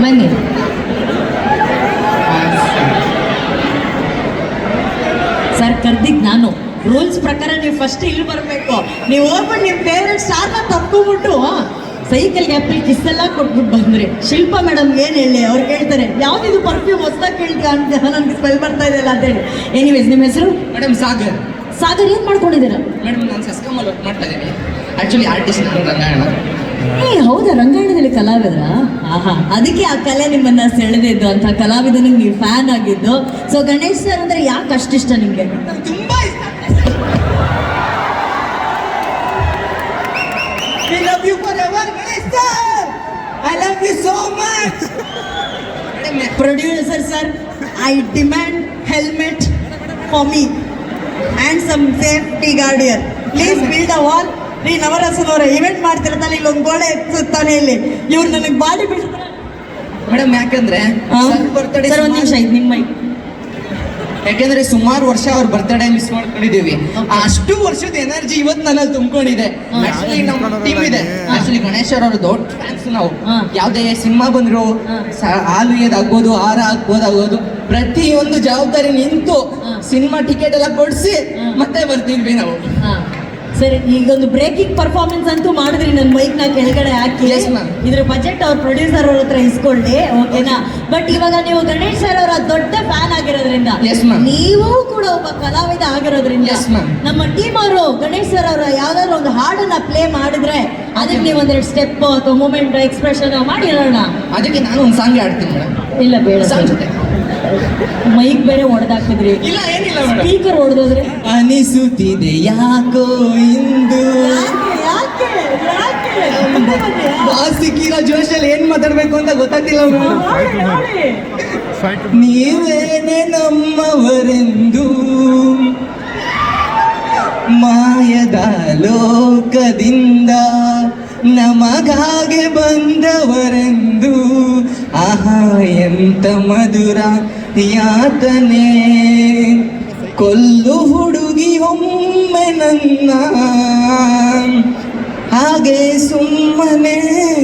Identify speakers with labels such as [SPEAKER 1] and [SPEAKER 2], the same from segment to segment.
[SPEAKER 1] ಬನ್ನಿ. ಸರ್ ಕರ್ದಿದ್ ನಾನು. ರೂಲ್ಸ್ ಪ್ರಕಾರ ನೀವು ಫಸ್ಟ್ ಇಲ್ಲಿ ಬರಬೇಕು. ನೀವು ಹೋಗ್ಬಿಟ್ಟು ನಿಮ್ಮ ಫೇವ್ರೆಟ್ ಸ್ಟಾರ್ನ ತಪ್ಕೊಂಡ್ಬಿಟ್ಟು ಸೈಕಲ್ ಗ್ಯಾಪಲ್ಲಿ ಕಿಸ್ ಎಲ್ಲ ಕೊಟ್ಬಿಟ್ಟು ಬಂದ್ರಿ. ಶಿಲ್ಪಾ ಮೇಡಮ್ ಏನು ಹೇಳಿ, ಅವ್ರು ಕೇಳ್ತಾರೆ ಯಾವ್ದಿದು ಪರ್ಫ್ಯೂಮ್ ಹೊಸದಾಗಿ ಕೇಳ್ತೀಯ ಅಂತ, ನನಗೆ ಸ್ಮೆಲ್ ಬರ್ತಾ ಇದೆಯಲ್ಲ ಅಂತೇಳಿ. ಎನಿವೇಸ್, ನಿಮ್ಮ ಹೆಸರು?
[SPEAKER 2] ಮೇಡಮ್ ಸಾಗರ್.
[SPEAKER 1] ಸಾಗರ್, ಏನು ಮಾಡ್ಕೊಂಡಿದ್ದೀರಾ?
[SPEAKER 2] ಮೇಡಮ್ ನಾನು ಸಸ್ಕಮಲ್ಲಿ ವರ್ಕ್ ಮಾಡ್ತಾ ಇದ್ದೀನಿ. ಆ್ಯಕ್ಚುಲಿ ಆರ್ಟಿಸ್ಟ್ ನಾನು ರಂಗಾಯಣ.
[SPEAKER 1] ಹೌದಾ, ರಂಗಾಯಣದಲ್ಲಿ ಕಲಾವಿದ್ರ? ಆಹಾ, ಅದಕ್ಕೆ ಆ ಕಲೆ ನಿಮ್ಮನ್ನ ಸೆಳೆದಿದ್ದು ಅಂತ, ಕಲಾವಿದನಿಗೆ ನೀವು ಫ್ಯಾನ್ ಆಗಿದ್ದು. ಸೊ ಗಣೇಶ್ ಸರ್ ಅಂದ್ರೆ ಯಾಕೆ ಅಷ್ಟಿಷ್ಟ ನಿಮಗೆ?
[SPEAKER 2] ತುಂಬಾ ಇಷ್ಟ. We love you forever, Ganesh sir. I love you so much.
[SPEAKER 1] Producer sir, I demand helmet for me and some safety guard here. Please build a wall. ರೀ ನವರಸನವರ ಇವೆಂಟ್ ಮಾಡ್ತಿರ್ತಾನೆ, ಇಲ್ಲೊಂದು ಗೋಡೆ ಎತ್ತುತ್ತಾನೆ ಇಲ್ಲಿ. ಇವ್ರು ನನಗೆ ಬಾಡಿ ಬಿಡ್ತಾರೆ
[SPEAKER 2] ಮೇಡಮ್. ಯಾಕಂದ್ರೆ ಬರ್ತ್ಡೇ
[SPEAKER 1] ಸರ್, ಒಂದು ನಿಮಿಷ, ಇದು ನಿಮ್ಮ ಮೈಕ್.
[SPEAKER 2] ಯಾಕೆಂದ್ರೆ ಸುಮಾರು ವರ್ಷ ಅವ್ರ ಬರ್ತ್ಡೇ ಮಿಸ್ ಮಾಡ್ಕೊಂಡಿದ್ದೀವಿ. ಅಷ್ಟು ವರ್ಷದ ಎನರ್ಜಿ ಇವತ್ತು ನನ್ನಲ್ಲಿ ತುಂಬಿಕೊಂಡಿದೆ. ಆಕ್ಚುಲಿ ನಮ್ಮ ಟೀಮ್ ಇದೆ. ಆಕ್ಚುಲಿ ಗಣೇಶ್ ಅವ್ರ ದೊಡ್ಡ ಫ್ಯಾನ್ಸ್ ನಾವು. ಯಾವುದೇ ಸಿನಿಮಾ ಬಂದ್ರು ಹಾಲು ಏದಾಗ್ಬೋದು, ಹಾರ ಹಾಕ್ಬೋದಾಗೋದು, ಪ್ರತಿಯೊಂದು ಜವಾಬ್ದಾರಿ ನಿಂತು ಸಿನಿಮಾ ಟಿಕೆಟ್ ಎಲ್ಲ ಕೊಡಿಸಿ ಮತ್ತೆ ಬರ್ತಿದ್ವಿ ನಾವು.
[SPEAKER 1] ಸರಿ, ಈಗೊಂದು ಬ್ರೇಕಿಂಗ್ ಪರ್ಫಾರ್ಮೆನ್ಸ್ ಅಂತೂ ಮಾಡಿದ್ರಿ. ನನ್ನ ಮೈಕ್ ನ ಕೆಳಗಡೆ ಹಾಕಿ. ಇದ್ರ ಬಜೆಟ್ ಅವ್ರ ಪ್ರೊಡ್ಯೂಸರ್ ಅವ್ರ ಹತ್ರ ಇಸ್ಕೊಳ್ಳಿ, ಓಕೆನಾ? ಬಟ್ ಇವಾಗ ನೀವು ಗಣೇಶ್ ಸರ್ ಅವರ ದೊಡ್ಡ ಫ್ಯಾನ್ ಆಗಿರೋದ್ರಿಂದ, ನೀವು ಕೂಡ ಒಬ್ಬ ಕಲಾವಿದ ಆಗಿರೋದ್ರಿಂದ, ನಮ್ಮ ಟೀಮ್ ಅವರು ಗಣೇಶ್ ಸರ್ ಅವರ ಯಾವ್ದಾದ್ರು ಒಂದು ಹಾಡನ್ನ ಪ್ಲೇ ಮಾಡಿದ್ರೆ ಅದಕ್ಕೆ ನೀವು ಒಂದೆರಡು ಸ್ಟೆಪ್ ಅಥವಾ ಮೂಮೆಂಟ್ ಎಕ್ಸ್ಪ್ರೆಷನ್ ಮಾಡಿ ಹೇಳೋಣ.
[SPEAKER 2] ಅದಕ್ಕೆ ನಾನು ಒಂದು ಸಾಂಗ್ ಆಡ್ತೀನಿ.
[SPEAKER 1] ಇಲ್ಲ ಬೇಡ, ಮೈಕ್ ಬೇರೆ ಹೊಡೆದಾಕಿದ್ರಿ.
[SPEAKER 2] ಇಲ್ಲ ಏನಿಲ್ಲ,
[SPEAKER 1] ಸ್ಪೀಕರ್ ಹೊಡೆದೋದ್ರೆ
[SPEAKER 2] ಅನಿಸುತ್ತಿದೆ ಯಾಕೋ ಇಂದು. ಸಿಕ್ಕಿರೋ ಜೋಶಲ್ಲಿ ಏನ್ ಮಾತಾಡ್ಬೇಕು ಅಂತ ಗೊತ್ತಾಗ್ತಿಲ್ಲ. ನೀವೇನೆ ನಮ್ಮವರೆಂದು ಮಾಯದ ಲೋಕದಿಂದ ನಮಗಾಗೆ ಬಂದವರೆಂದು. ಆಹಾ ಎಂತ ಮಧುರ ಯಾತನೆ, ಕೊಲ್ಲು ಹುಡುಗಿ ಒಮ್ಮೆ ನನ್ನ, ಹಾಗೆ ಸುಮ್ಮನೆ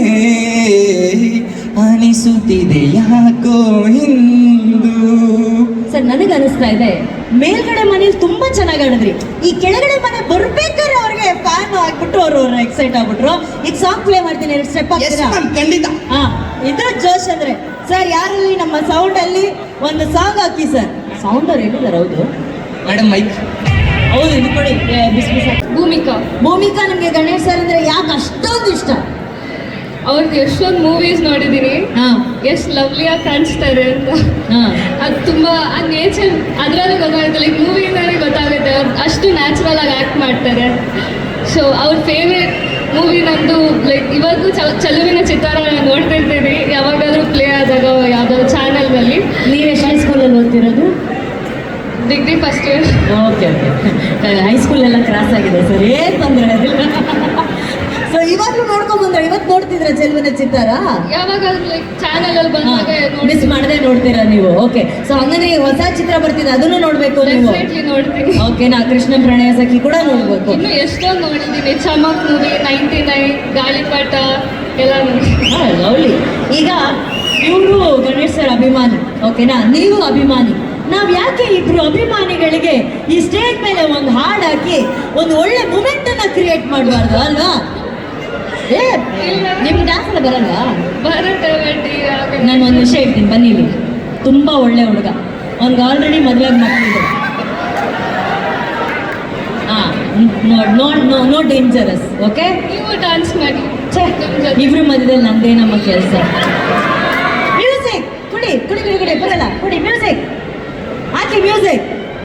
[SPEAKER 2] ಅನಿಸುತ್ತಿದೆ ಯಾಕೋ ಇಂದು.
[SPEAKER 1] ಸರ್, ನನಗೆ ಅನಿಸ್ತಾ ಇದೆ ಮೇಲ್ಗಡೆ ಮನೇಲಿ ತುಂಬಾ ಚೆನ್ನಾಗಿ ಆಡಿದ್ರಿ. ಈ ಕೆಳಗಡೆ ಮನೆ ಬರ್ಬೇಕಾದ್ರೆ ಅವ್ರಿಗೆ ಫ್ಯಾನ್ ಆಗ್ಬಿಟ್ಟು ಅವ್ರು ಎಕ್ಸೈಟ್ ಆಗ್ಬಿಟ್ರು. ಈಗ ಸಾಂಗ್ ಪ್ಲೇ ಮಾಡ್ತೀನಿ, ಎರಡು ಸ್ಟೆಪ್ ಆಗ್ತೀರಾ?
[SPEAKER 2] ಖಂಡಿತ.
[SPEAKER 1] ಇದ್ರ ಜೋಶ್ ಅಂದ್ರೆ ಸರ್, ಯಾರಲ್ಲಿ ನಮ್ಮ ಸೌಂಡ್ ಅಲ್ಲಿ ಒಂದು ಸಾಂಗ್ ಹಾಕಿ ಸರ್. ಸೌಂಡ್ ಅವ್ರು ಎಲ್ಲಿದ್ದಾರೆ? ಹೌದು
[SPEAKER 2] ಮೇಡಮ್, ಮೈಕ್.
[SPEAKER 1] ಹೌದು, ಇದು ಕೊಡಿ. ಬಿಸಿ ಬಿಸಿ.
[SPEAKER 3] ಭೂಮಿಕಾ
[SPEAKER 1] ನಿಮ್ಗೆ ಗಣೇಶ್ ಸರ್ ಅಂದ್ರೆ ಯಾಕೆ ಅಷ್ಟೊಂದು ಇಷ್ಟ?
[SPEAKER 3] ಅವ್ರದ್ದು ಎಷ್ಟೊಂದು ಮೂವೀಸ್ ನೋಡಿದ್ದೀನಿ, ಎಷ್ಟು ಲವ್ಲಿಯಾಗಿ ಕಾಣಿಸ್ತಾರೆ ಅಂತ. ಅದು ತುಂಬಾ ಆ ನೇಚರ್ ಅದರಲ್ಲೂ ಗೊತ್ತಾಗುತ್ತೆ, ಲೈಕ್ ಮೂವಿಯಿಂದಾನೇ ಗೊತ್ತಾಗುತ್ತೆ ಅವ್ರು ಅಷ್ಟು ನ್ಯಾಚುರಲ್ ಆಗಿ ಆ್ಯಕ್ಟ್ ಮಾಡ್ತಾರೆ. ಸೊ ಅವ್ರ ಫೇವ್ರೆಟ್ ಮೂವಿ ನಂದು ಲೈಕ್ ಇವತ್ತು ಚಲುವಿನ ಚಿತ್ತಾರ ನೋಡ್ತಿರ್ತೀನಿ, ಯಾವಾಗಾದ್ರೂ ಪ್ಲೇ ಆದಾಗ ಯಾವುದಾದ್ರು ಚಾನಲ್ನಲ್ಲಿ.
[SPEAKER 1] ನೀವು ಎಷ್ಟು ಸ್ಕೂಲಲ್ಲಿ ಓದ್ತಿರೋದು?
[SPEAKER 3] Degree first year.
[SPEAKER 1] Okay okay, ಹೈಸ್ಕೂಲೆಲ್ಲ ಕ್ರಾಸ್ ಆಗಿದೆ ಸರ್, ಏನು ತೊಂದರೆ ಇಲ್ಲ. ಸೊ ಇವಾಗಲೂ ನೋಡ್ಕೊಂಡ್ ಬಂದ್ರೆ, ಇವತ್ತು ನೋಡ್ತಿದ್ರ ಚೆಲುವಿನ ಚಿತ್ತಾರ?
[SPEAKER 3] ಯಾವಾಗಾದ್ರೂ ಲೈಕ್ ಚಾನಲ್ ಅಲ್ಲಿ ಬಂದಾಗ
[SPEAKER 1] ಮಿಸ್ ಮಾಡದೆ ನೋಡ್ತೀರಾ ನೀವು? ಓಕೆ. ಸೊ ಹಂಗಂದ್ರೆ ಹೊಸ ಚಿತ್ರ ಬರ್ತಿದೆ, ಅದನ್ನು ನೋಡ್ಬೇಕು ನೀವು?
[SPEAKER 3] ನೋಡ್ತೀನಿ.
[SPEAKER 1] ಓಕೆ, ನಾ ಕೃಷ್ಣ ಪ್ರಣಯ ಸಖಿ ಕೂಡ ನೋಡ್ಬೇಕು.
[SPEAKER 3] ಇನ್ನು ಎಷ್ಟೊಂದು ನೋಡಿದ್ದೀನಿ. ಚಮಕ್ ಮೂವಿ, 99, ಗಾಳಿಪಟ ಎಲ್ಲ ನೋಡಿ.
[SPEAKER 1] ಲವ್ಲಿ. ಈಗ ಇವರು ಗಣೇಶ್ ಸರ್ ಅಭಿಮಾನಿ, ಓಕೆನಾ? ನೀವು ಅಭಿಮಾನಿ. ನಾವ್ ಯಾಕೆ ಇಬ್ರು ಅಭಿಮಾನಿಗಳಿಗೆ ಈ ಸ್ಟೇಜ್ ಮೇಲೆ ಒಂದು ಹಾಡು ಹಾಕಿ ಒಂದು ಒಳ್ಳೆ ಮೂಮೆಂಟ್ ಅನ್ನ ಕ್ರಿಯೇಟ್ ಮಾಡಬಾರ್ದು ಅಲ್ವಾ? ನಿಮ್ಗೆ ಡ್ಯಾನ್ಸ್ ಎಲ್ಲ ಬರಲ್ಲ? ನಾನು ಒಂದು ವಿಷಯ ಹೇಳ್ತೀನಿ, ಬನ್ನಿ. ಇಲ್ಲಿ ತುಂಬಾ ಒಳ್ಳೆ ಹುಡುಗ, ಅವ್ನಿಗೆ ಆಲ್ರೆಡಿ ಮದುವೆ ಮಕ್ಕಳಿದೆ. No dangerous. ಓಕೆ,
[SPEAKER 3] ನೀವು ಡ್ಯಾನ್ಸ್ ಮಾಡಿ.
[SPEAKER 1] ಇಬ್ರು ಮಧ್ಯದಲ್ಲಿ ನಂದೇ ನಮ್ಮ ಕೆಲಸ. ಮ್ಯೂಸಿಕ್ ಕುಡಿ ಕುಡಿ ಕುಡಿ ಕುಡಿ, ಬರಲ್ಲ ಕುಡಿ. ಮ್ಯೂಸಿಕ್ ಹಾಕಿ, ಮ್ಯೂಸಿಕ್.